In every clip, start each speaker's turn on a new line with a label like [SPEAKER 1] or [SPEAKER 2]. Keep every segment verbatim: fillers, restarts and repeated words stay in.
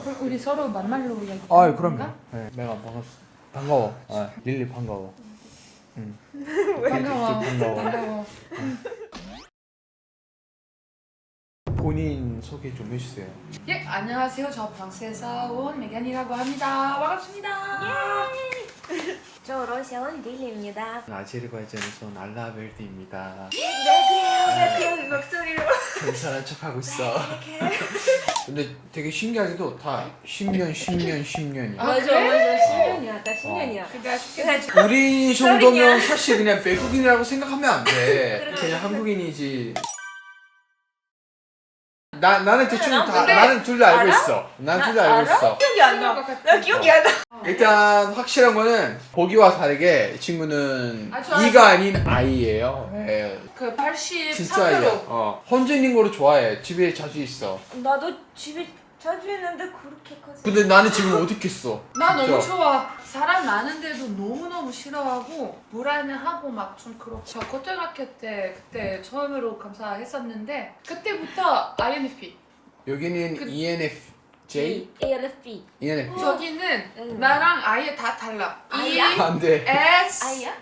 [SPEAKER 1] 그럼 우리 서로 만말로 이야기.
[SPEAKER 2] 아, 그럼요. 네, 내가 반갑 반가워. 아, 릴리 반가워. 응.
[SPEAKER 1] 반가워.
[SPEAKER 2] 반가워.
[SPEAKER 1] 반가워.
[SPEAKER 2] 본인 소개 좀 해주세요.
[SPEAKER 1] 예, 안녕하세요. 저 프랑스에서 온 메간이라고 합니다. 반갑습니다.
[SPEAKER 3] 저 러시아 온 릴리입니다.
[SPEAKER 2] 아제르바이잔에서 온 알라벨드입니다.
[SPEAKER 3] 네, 그래요. 왜 그런 목소리로?
[SPEAKER 2] 괜찮은 척하고 있어. 근데 되게 신기하게도 다 십 년, 십 년, 십 년이야.
[SPEAKER 1] 아,
[SPEAKER 3] 맞아,
[SPEAKER 1] 그래?
[SPEAKER 3] 맞아. 십 년이야. 나 십 년이야.
[SPEAKER 1] 그러니까 쉽게
[SPEAKER 3] 그래서
[SPEAKER 2] 우리 정도면 사실 그냥 외국인이라고 생각하면 안 돼.
[SPEAKER 3] 그래.
[SPEAKER 2] 그냥 한국인이지. 나 나는 대충
[SPEAKER 3] 나
[SPEAKER 2] 다
[SPEAKER 3] 근데
[SPEAKER 2] 나는 둘 다 알고
[SPEAKER 3] 알아?
[SPEAKER 2] 있어. 난 둘 다
[SPEAKER 3] 나
[SPEAKER 2] 알고
[SPEAKER 3] 알아?
[SPEAKER 2] 있어.
[SPEAKER 3] 기억이 안 나.
[SPEAKER 1] 것 같아.
[SPEAKER 3] 나 기억이 안 나.
[SPEAKER 2] 일단 확실한 거는 보기와 다르게 이 친구는
[SPEAKER 1] 아주 아주-
[SPEAKER 2] 이가 아닌 아이예요. 예.
[SPEAKER 1] 그 팔십삼
[SPEAKER 2] 진짜 아이야.
[SPEAKER 1] 프로.
[SPEAKER 2] 어. 혼자 있는 거를 좋아해. 집에 자주 있어.
[SPEAKER 3] 나도 집에 자주 있는데 그렇게까지.
[SPEAKER 2] 근데 나는 지금 어디 있겠어?
[SPEAKER 1] 나 너무
[SPEAKER 2] 진짜.
[SPEAKER 1] 좋아. 사람 많은데도 너무너무 싫어하고 불안해하고 막 좀 그렇고. 저 고등학교 때 그때 처음으로 감사했었는데 그때부터 아이엔에프피.
[SPEAKER 2] 여기는
[SPEAKER 1] 그-
[SPEAKER 2] 이엔에프제이,
[SPEAKER 3] 에이엔에프피.
[SPEAKER 2] 이엔에프.
[SPEAKER 1] 저기는
[SPEAKER 3] 응.
[SPEAKER 1] 나랑 아예 다 달라.
[SPEAKER 3] 아이야?
[SPEAKER 1] E,
[SPEAKER 2] 안 돼.
[SPEAKER 1] S,
[SPEAKER 3] 아이야?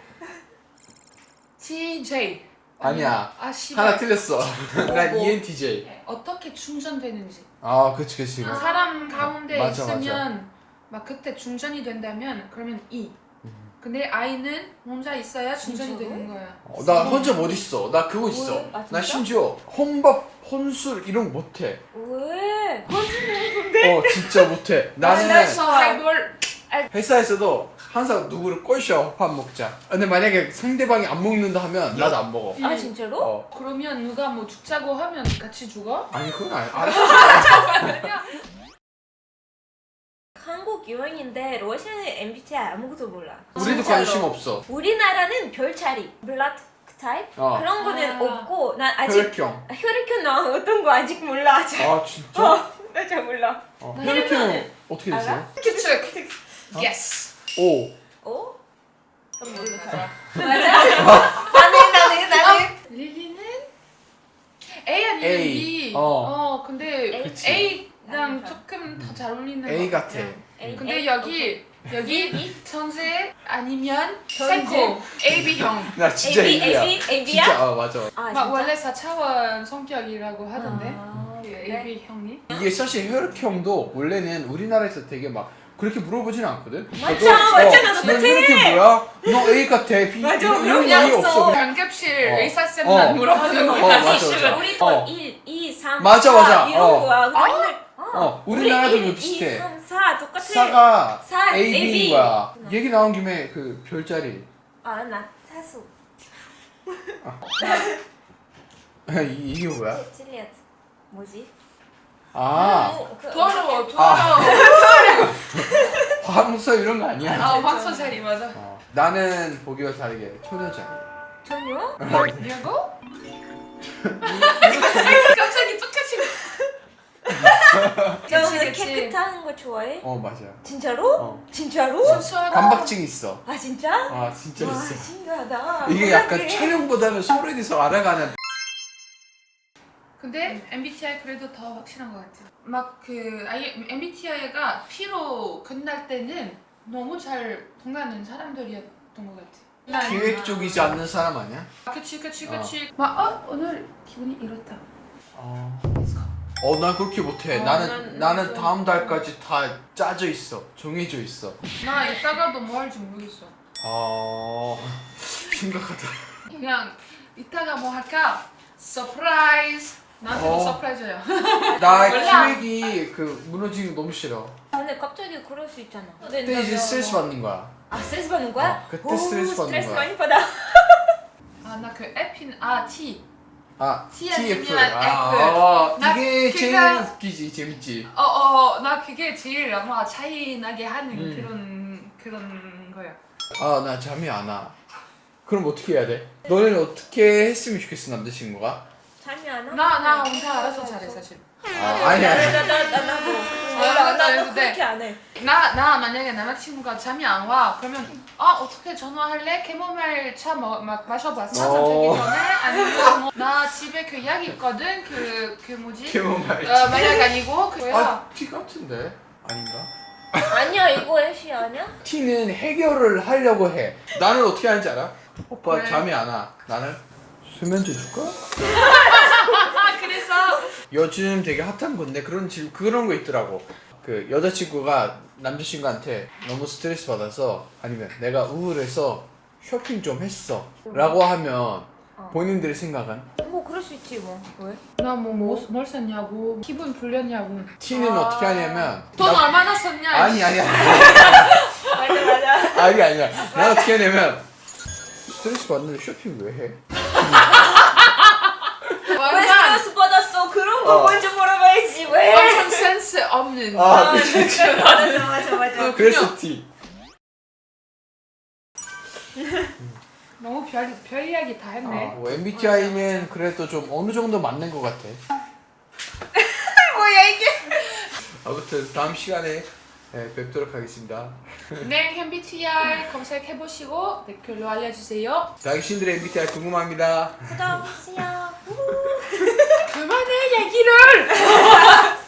[SPEAKER 1] T, J.
[SPEAKER 2] 아니야.
[SPEAKER 1] 아 씨발.
[SPEAKER 2] 하나 틀렸어. 난
[SPEAKER 1] 뭐.
[SPEAKER 2] 이엔티제이.
[SPEAKER 1] 어떻게 충전되는지.
[SPEAKER 2] 아, 그치, 그치.
[SPEAKER 3] 아.
[SPEAKER 1] 사람 가운데
[SPEAKER 2] 맞아,
[SPEAKER 1] 있으면 막 그때 충전이 된다면 그러면 E.
[SPEAKER 2] 음.
[SPEAKER 1] 근데 I는 혼자 있어야 충전이
[SPEAKER 3] 진짜로?
[SPEAKER 1] 되는 거야.
[SPEAKER 2] 어, 나 혼자 못 있어. 나 그거 있어.
[SPEAKER 3] 왜? 아,
[SPEAKER 2] 나
[SPEAKER 3] 진짜?
[SPEAKER 2] 심지어 혼밥, 혼술 이런 거 못해.
[SPEAKER 3] 왜?
[SPEAKER 2] 어, 진짜 못해. 나는
[SPEAKER 1] 그래서 하이볼
[SPEAKER 2] 회사에서도 항상 누구를 꼬셔. 밥 먹자. 근데 만약에 상대방이 안 먹는다 하면 나도 안 먹어.
[SPEAKER 3] 아 진짜로?
[SPEAKER 2] 어.
[SPEAKER 1] 그러면 누가 뭐 죽자고 하면 같이 죽어?
[SPEAKER 2] 아니 그건 아니. 알았어.
[SPEAKER 3] 한국 유행인데 러시아는 엠비티아이 아무것도 몰라.
[SPEAKER 2] 우리도
[SPEAKER 3] 진짜로.
[SPEAKER 2] 관심 없어.
[SPEAKER 3] 우리나라는 별자리, 블라드 타입
[SPEAKER 2] 어.
[SPEAKER 3] 그런 거는
[SPEAKER 1] 아.
[SPEAKER 3] 없고 난 아직
[SPEAKER 2] 혈액형.
[SPEAKER 3] 혈액형 나 어떤 거 아직 몰라. 잘.
[SPEAKER 2] 아 진짜?
[SPEAKER 3] 어, 나 잘 몰라.
[SPEAKER 2] 어.
[SPEAKER 1] 나
[SPEAKER 2] 혈액형 어떻게 되세요?
[SPEAKER 3] 알아?
[SPEAKER 1] 추측.
[SPEAKER 2] 어?
[SPEAKER 1] Yes.
[SPEAKER 2] 오.
[SPEAKER 3] 어? 난 모르겠어.
[SPEAKER 1] 맞아.
[SPEAKER 3] 나는 나는 나는
[SPEAKER 1] 릴리는 A 아니면
[SPEAKER 2] A.
[SPEAKER 1] B.
[SPEAKER 2] 어.
[SPEAKER 1] 어 근데
[SPEAKER 3] A.
[SPEAKER 2] 그치.
[SPEAKER 1] A랑 조금 더 잘 어울리는
[SPEAKER 2] A
[SPEAKER 1] 것
[SPEAKER 2] 같아.
[SPEAKER 3] A,
[SPEAKER 1] 근데
[SPEAKER 3] A,
[SPEAKER 1] 여기
[SPEAKER 3] 오케이.
[SPEAKER 1] 여기
[SPEAKER 3] B?
[SPEAKER 1] 천재 아니면
[SPEAKER 3] 천재?
[SPEAKER 1] 사이코 A B형.
[SPEAKER 2] 나 진짜
[SPEAKER 3] A B,
[SPEAKER 2] A야.
[SPEAKER 3] A B, A B야?
[SPEAKER 2] 진짜 아 맞아.
[SPEAKER 3] 아
[SPEAKER 1] 막
[SPEAKER 3] 진짜?
[SPEAKER 1] 원래 사 차원 성격이라고 하던데.
[SPEAKER 3] 아,
[SPEAKER 1] 그
[SPEAKER 3] 그래?
[SPEAKER 1] A B형이.
[SPEAKER 2] 이게 사실 혈액형도 원래는 우리나라에서 되게 막 그렇게 물어보진 않거든.
[SPEAKER 3] 맞아,
[SPEAKER 2] 너,
[SPEAKER 3] 맞아, 나도
[SPEAKER 2] 너
[SPEAKER 3] 똑같아.
[SPEAKER 2] 혈액형 뭐야? 너 A 같아. B
[SPEAKER 3] 맞아,
[SPEAKER 2] 이런
[SPEAKER 3] 그런
[SPEAKER 2] 이런
[SPEAKER 3] 게
[SPEAKER 2] 얘기
[SPEAKER 3] 없어.
[SPEAKER 2] 없어. 그냥
[SPEAKER 1] 응급실
[SPEAKER 2] 어.
[SPEAKER 1] 의사쌤만
[SPEAKER 2] 어.
[SPEAKER 1] 물어보는
[SPEAKER 2] 어,
[SPEAKER 1] 거야.
[SPEAKER 2] 맞아, 맞아.
[SPEAKER 3] 우리
[SPEAKER 2] 어.
[SPEAKER 3] 거 일, 이, 삼,
[SPEAKER 2] 맞아,
[SPEAKER 3] 사
[SPEAKER 2] 맞아.
[SPEAKER 3] 이런
[SPEAKER 2] 어.
[SPEAKER 3] 거야. 근데
[SPEAKER 1] 아?
[SPEAKER 3] 오늘
[SPEAKER 2] 어, 우리나라도
[SPEAKER 3] 우리 일,
[SPEAKER 2] 비슷해.
[SPEAKER 3] 이, 삼, 사 똑같아.
[SPEAKER 2] 사가
[SPEAKER 3] 사,
[SPEAKER 2] A,
[SPEAKER 3] A,
[SPEAKER 2] B인
[SPEAKER 3] B.
[SPEAKER 2] 거야. 얘기 나온 김에 그 별자리.
[SPEAKER 3] 아, 나 사수.
[SPEAKER 2] 이, 이게 뭐야?
[SPEAKER 3] 찔리앗. 뭐지?
[SPEAKER 2] 아,
[SPEAKER 3] 어, 그-
[SPEAKER 1] 더러워,
[SPEAKER 2] 아.
[SPEAKER 1] 더러워.
[SPEAKER 2] 화문서 이런 거 아니야?
[SPEAKER 1] 아, 황소자리 맞아.
[SPEAKER 2] 어, 나는 보기와 다르게 초녀자리.
[SPEAKER 3] 전혀?
[SPEAKER 1] 뭐라고? 갑자기 똑같이.
[SPEAKER 3] 너
[SPEAKER 1] 그치,
[SPEAKER 3] 오늘
[SPEAKER 1] 그치.
[SPEAKER 3] 깨끗한 거 좋아해?
[SPEAKER 2] 어, 맞아.
[SPEAKER 3] 진짜로?
[SPEAKER 2] 어.
[SPEAKER 3] 진짜로?
[SPEAKER 1] 순수하다.
[SPEAKER 2] 감박증 있어.
[SPEAKER 3] 아 진짜?
[SPEAKER 2] 아, 진짜
[SPEAKER 3] 와
[SPEAKER 2] 있어.
[SPEAKER 3] 신기하다.
[SPEAKER 2] 이게 약간
[SPEAKER 3] 몰랐네.
[SPEAKER 2] 촬영보다는 서로에 대해서 알아가는.
[SPEAKER 1] 근데 엠비티아이 그래도 더 확실한 것 같아. 막 그 엠비티아이가 피로 끝날 때는 너무 잘 통하는 사람들이었던 것 같아. 난-
[SPEAKER 2] 계획적이지 않는 사람 아니야?
[SPEAKER 1] 아, 그치 그치
[SPEAKER 2] 어.
[SPEAKER 1] 그치. 막 어? 오늘 기분이 이렇다.
[SPEAKER 2] 어.
[SPEAKER 1] Let's go.
[SPEAKER 2] 어, 난 그렇게 못해.
[SPEAKER 1] 어,
[SPEAKER 2] 나는
[SPEAKER 1] 난-
[SPEAKER 2] 나는
[SPEAKER 1] 난
[SPEAKER 2] 다음
[SPEAKER 1] 좀-
[SPEAKER 2] 달까지 다 짜져 있어. 정해져 있어.
[SPEAKER 1] 나 이따가도 뭐 할지 모르겠어.
[SPEAKER 2] 어, 심각하다.
[SPEAKER 1] 그냥 이따가 뭐 할까? 서프라이즈. 나한테도
[SPEAKER 2] 어.
[SPEAKER 1] 서프라이즈야.
[SPEAKER 2] 나
[SPEAKER 1] 몰라.
[SPEAKER 2] 기획이 그 무너지는 거 너무 싫어.
[SPEAKER 3] 근데 갑자기 그럴 수 있잖아.
[SPEAKER 2] 그때 이제 스트레스 받는 거야.
[SPEAKER 3] 아 스트레스 받는 거야?
[SPEAKER 2] 어, 그때
[SPEAKER 3] 오,
[SPEAKER 2] 스트레스 받는
[SPEAKER 3] 스트레스
[SPEAKER 2] 거야.
[SPEAKER 3] 많이 받아.
[SPEAKER 1] 아 나 그 에핀 아 T.
[SPEAKER 2] 아,
[SPEAKER 1] T
[SPEAKER 2] 티에프.
[SPEAKER 1] 아니면
[SPEAKER 2] 아,
[SPEAKER 1] F.
[SPEAKER 2] 아,
[SPEAKER 1] 나
[SPEAKER 2] 이게 제일
[SPEAKER 1] 그가-
[SPEAKER 2] 웃기지, 재밌지.
[SPEAKER 1] 어어 나 그게 제일 아마 차이 나게 하는
[SPEAKER 2] 음.
[SPEAKER 1] 그런 그런 거야.
[SPEAKER 2] 아, 나 잠이 안 와. 그럼 어떻게 해야 돼? 너는 어떻게 했으면 좋겠어, 남자친구가?
[SPEAKER 3] 잠이 안 와?
[SPEAKER 1] 나 나 혼자 알아서 잘해 사실.
[SPEAKER 2] 아, 아니야.
[SPEAKER 3] 나나나 나도 몰라.
[SPEAKER 1] 나도
[SPEAKER 3] 나도
[SPEAKER 1] 했는데.
[SPEAKER 3] 그렇게 안 해.
[SPEAKER 1] 나 나 만약에 남자친구가 잠이 안 와 그러면 아 어떻게 전화할래? 캐모마일 차 뭐, 막 마셔봤어?
[SPEAKER 2] 어.
[SPEAKER 1] 잠자기 전에? 아니면 뭐, 나 집에 그 약 있거든 그 그 뭐지?
[SPEAKER 2] 캐모마일.
[SPEAKER 1] 어 마약 아니고 그거야.
[SPEAKER 2] 아, 티 같은데? 아닌가?
[SPEAKER 3] 아니야 이거 애쉬 아니야?
[SPEAKER 2] T는 해결을 하려고 해. 나는 어떻게 하는지 알아? 오빠
[SPEAKER 1] 왜?
[SPEAKER 2] 잠이 안 와. 나는 수면제 줄까?
[SPEAKER 1] 아 그래서
[SPEAKER 2] 요즘 되게 핫한 건데 그런 질 그런 거 있더라고. 그 여자친구가 남자친구한테 너무 스트레스 받아서 아니면 내가 우울해서 쇼핑 좀 했어 라고 하면 본인들의 생각은?
[SPEAKER 3] 뭐 그럴 수 있지 뭐. 왜?
[SPEAKER 1] 나뭐뭘 샀냐고 기분 풀렸냐고
[SPEAKER 2] T는
[SPEAKER 3] 아.
[SPEAKER 2] 어떻게 하냐면
[SPEAKER 1] 돈
[SPEAKER 2] 나-
[SPEAKER 1] 얼마나 썼냐
[SPEAKER 2] 아니 아니 아니
[SPEAKER 3] 맞아 맞아.
[SPEAKER 2] 아니 아니야. 나 어떻게 하냐면 스트레스 받는데 쇼핑 왜 해?
[SPEAKER 3] 왜
[SPEAKER 1] 완전
[SPEAKER 3] 스트레스 받았어? 그런 거
[SPEAKER 2] 어.
[SPEAKER 3] 먼저 물어봐야지 왜?
[SPEAKER 1] 완전 센스 없는
[SPEAKER 2] 아 그치 그치.
[SPEAKER 3] 맞아 맞아 맞아.
[SPEAKER 2] 그래서 T.
[SPEAKER 1] 너무 별, 별 이야기 다 했네
[SPEAKER 2] 아, 뭐 엠비티아이는 그래도 좀 어느 정도 맞는 것 같아.
[SPEAKER 1] 뭐야 이게
[SPEAKER 2] 아무튼 다음 시간에 네, 뵙도록 하겠습니다.
[SPEAKER 1] 네 엠비티아이 검색해보시고 댓글로 알려주세요
[SPEAKER 2] 당신들의 엠비티아이 궁금합니다.
[SPEAKER 3] 구독해주세요.
[SPEAKER 1] 그만해 얘기를